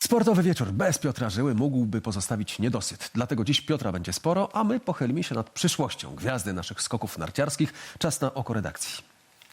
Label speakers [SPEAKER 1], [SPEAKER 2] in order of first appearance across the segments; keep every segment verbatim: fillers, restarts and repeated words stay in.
[SPEAKER 1] Sportowy wieczór bez Piotra Żyły mógłby pozostawić niedosyt. Dlatego dziś Piotra będzie sporo, a my pochylimy się nad przyszłością gwiazdy naszych skoków narciarskich. Czas na oko redakcji.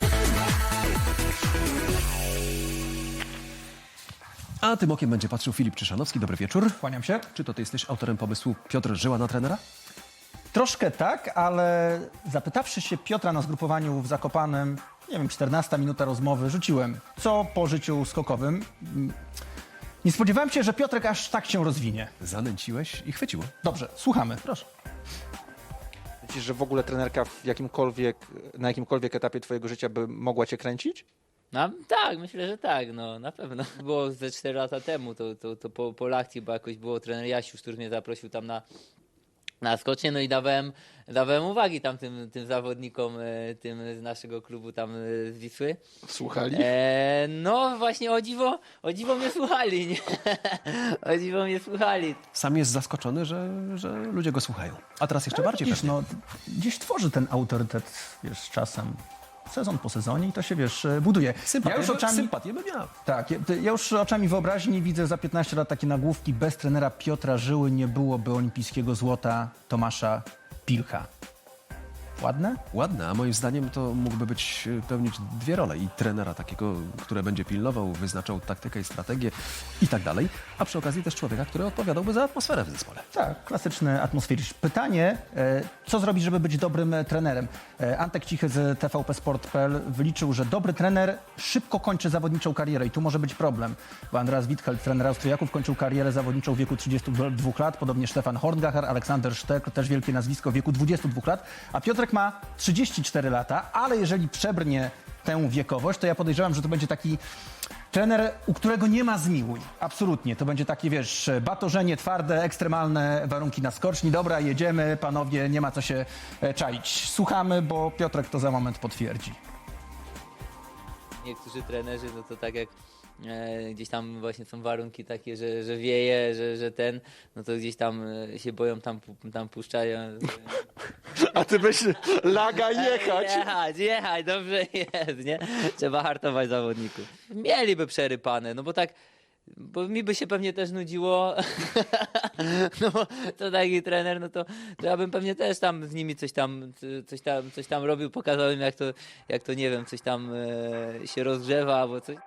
[SPEAKER 1] A tym okiem będzie patrzył Filip Czyszanowski. Dobry wieczór.
[SPEAKER 2] Kłaniam się.
[SPEAKER 1] Czy to ty jesteś autorem pomysłu Piotr Żyła na trenera?
[SPEAKER 2] Troszkę tak, ale zapytawszy się Piotra na zgrupowaniu w Zakopanem, nie wiem, czternasta minuta rozmowy, rzuciłem, co po życiu skokowym. Nie spodziewałem się, że Piotrek aż tak się rozwinie.
[SPEAKER 1] Zanęciłeś i chwyciło.
[SPEAKER 2] Dobrze, słuchamy.
[SPEAKER 1] Proszę.
[SPEAKER 3] Myślisz, że w ogóle trenerka w jakimkolwiek, na jakimkolwiek etapie twojego życia by mogła cię kręcić?
[SPEAKER 4] No, tak, myślę, że tak, no na pewno. Było ze cztery lata temu, to, to, to po, po lekcji, bo jakoś było trener Jasiusz, który mnie zaprosił tam na, na skocznie, no i dawałem, dawałem uwagi tam tym, tym zawodnikom, e, tym z naszego klubu tam e, z Wisły.
[SPEAKER 3] Słuchali?
[SPEAKER 4] E, no właśnie, o dziwo, o dziwo mnie słuchali, nie? O dziwo mnie słuchali.
[SPEAKER 1] Sam jest zaskoczony, że, że ludzie go słuchają. A teraz jeszcze bardziej
[SPEAKER 2] Wiesz,
[SPEAKER 1] pewnie.
[SPEAKER 2] no, gdzieś tworzy ten autorytet, wiesz, z czasem. Sezon po sezonie i to się, wiesz, buduje.
[SPEAKER 1] Sympatię,
[SPEAKER 2] ja już oczami,
[SPEAKER 1] sympatię bym miał.
[SPEAKER 2] tak, ja, ja już oczami wyobraźni widzę za piętnaście lat takie nagłówki: bez trenera Piotra Żyły nie byłoby olimpijskiego złota Tomasza Pilcha. Ładne?
[SPEAKER 1] Ładne, a moim zdaniem to mógłby być, pełnić dwie role. I trenera takiego, który będzie pilnował, wyznaczał taktykę i strategię i tak dalej. A przy okazji też człowieka, który odpowiadałby za atmosferę w zespole.
[SPEAKER 2] Tak, klasyczny atmosferyczny. Pytanie, e, co zrobić, żeby być dobrym e, trenerem? E, Antek Cichy z T V P Sport kropka P L wyliczył, że dobry trener szybko kończy zawodniczą karierę i tu może być problem, bo Andreas Wittheld, trener Austriaków, kończył karierę zawodniczą w wieku trzydziestu dwóch lat, podobnie Stefan Horngacher, Aleksander Sztek, też wielkie nazwisko, w wieku dwudziestu dwóch lat, a Piotrek ma trzydzieści cztery lata, ale jeżeli przebrnie tę wiekowość, to ja podejrzewam, że to będzie taki trener, u którego nie ma zmiłuj. Absolutnie. To będzie takie, wiesz, batorzenie twarde, ekstremalne warunki na skoczni. Dobra, jedziemy, panowie, nie ma co się e, czaić. Słuchamy, bo Piotrek to za moment potwierdzi.
[SPEAKER 4] Niektórzy trenerzy, no to tak jak e, gdzieś tam właśnie są warunki takie, że, że wieje, że, że ten, no to gdzieś tam e, się boją, tam, pu- tam puszczają.
[SPEAKER 3] A ty byś laga jechać.
[SPEAKER 4] Jechać, jechać, dobrze jest, nie? Trzeba hartować zawodników. Mieliby przerypane, no bo tak, bo mi by się pewnie też nudziło, no bo to taki trener, no to, to ja bym pewnie też tam z nimi coś tam, coś tam, coś tam robił, pokazał im jak to, jak to nie wiem, coś tam e, się rozgrzewa albo coś.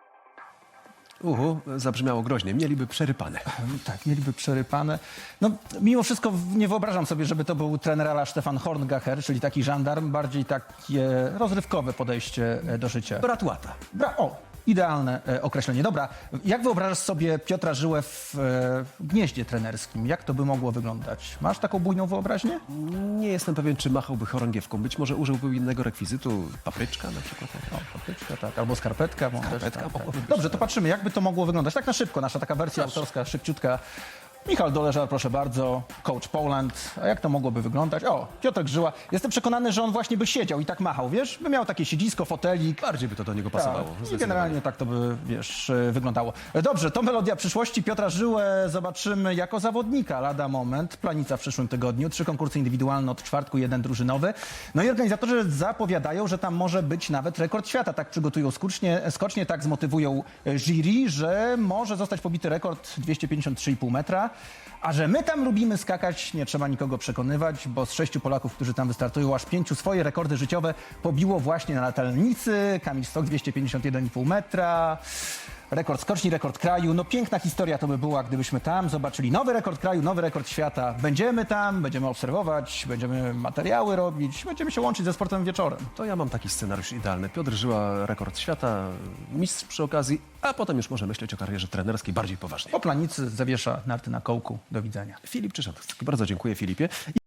[SPEAKER 1] Uhu, zabrzmiało groźnie. Mieliby przerypane.
[SPEAKER 2] Tak, mieliby przerypane. No, mimo wszystko nie wyobrażam sobie, żeby to był trener a la Stefan Horngacher, czyli taki żandarm, bardziej takie rozrywkowe podejście e, do życia.
[SPEAKER 1] Brat łata.
[SPEAKER 2] Bra o, idealne e, określenie. Dobra, jak wyobrażasz sobie Piotra Żyłę w, e, w gnieździe trenerskim? Jak to by mogło wyglądać? Masz taką bujną wyobraźnię?
[SPEAKER 1] Nie jestem pewien, czy machałby chorągiewką. Być może użyłby innego rekwizytu. Papryczka na przykład.
[SPEAKER 2] No, papryczka, tak, albo skarpetka. Może
[SPEAKER 1] Skarpetka
[SPEAKER 2] też, tak,
[SPEAKER 1] mogłaby
[SPEAKER 2] tak.
[SPEAKER 1] być,
[SPEAKER 2] Dobrze, to patrzymy, jakby to mogło wyglądać. Tak na szybko, nasza taka wersja autorska, szybciutka. Michał Doleżar, proszę bardzo, Coach Poland. A jak to mogłoby wyglądać? O, Piotrek Żyła. Jestem przekonany, że on właśnie by siedział i tak machał, wiesz? By miał takie siedzisko, fotelik.
[SPEAKER 1] Bardziej by to do niego pasowało.
[SPEAKER 2] Tak, i
[SPEAKER 1] zdecydowanie.
[SPEAKER 2] generalnie tak to by, wiesz, e, wyglądało. E, Dobrze, to melodia przyszłości. Piotra Żyłę zobaczymy jako zawodnika lada moment. Planica w przyszłym tygodniu. Trzy konkursy indywidualne od czwartku, jeden drużynowy. No i organizatorzy zapowiadają, że tam może być nawet rekord świata. Tak przygotują skocznie, skocznie, tak zmotywują e, jury, że może zostać pobity rekord dwieście pięćdziesiąt trzy i pół metra. A że my tam lubimy skakać, nie trzeba nikogo przekonywać, bo z sześciu Polaków, którzy tam wystartują, aż pięciu swoje rekordy życiowe pobiło właśnie na latalnicy. Kamil Stok dwieście pięćdziesiąt jeden i pół metra. Rekord skoczni, rekord kraju. No piękna historia to by była, gdybyśmy tam zobaczyli nowy rekord kraju, nowy rekord świata. Będziemy tam, będziemy obserwować, będziemy materiały robić, będziemy się łączyć ze sportem wieczorem.
[SPEAKER 1] To ja mam taki scenariusz idealny. Piotr Żyła, rekord świata, mistrz przy okazji, a potem już może myśleć o karierze trenerskiej bardziej poważnie.
[SPEAKER 2] Po planicy zawiesza narty na kołku. Do widzenia.
[SPEAKER 1] Filip Czyszanowski. Bardzo dziękuję, Filipie.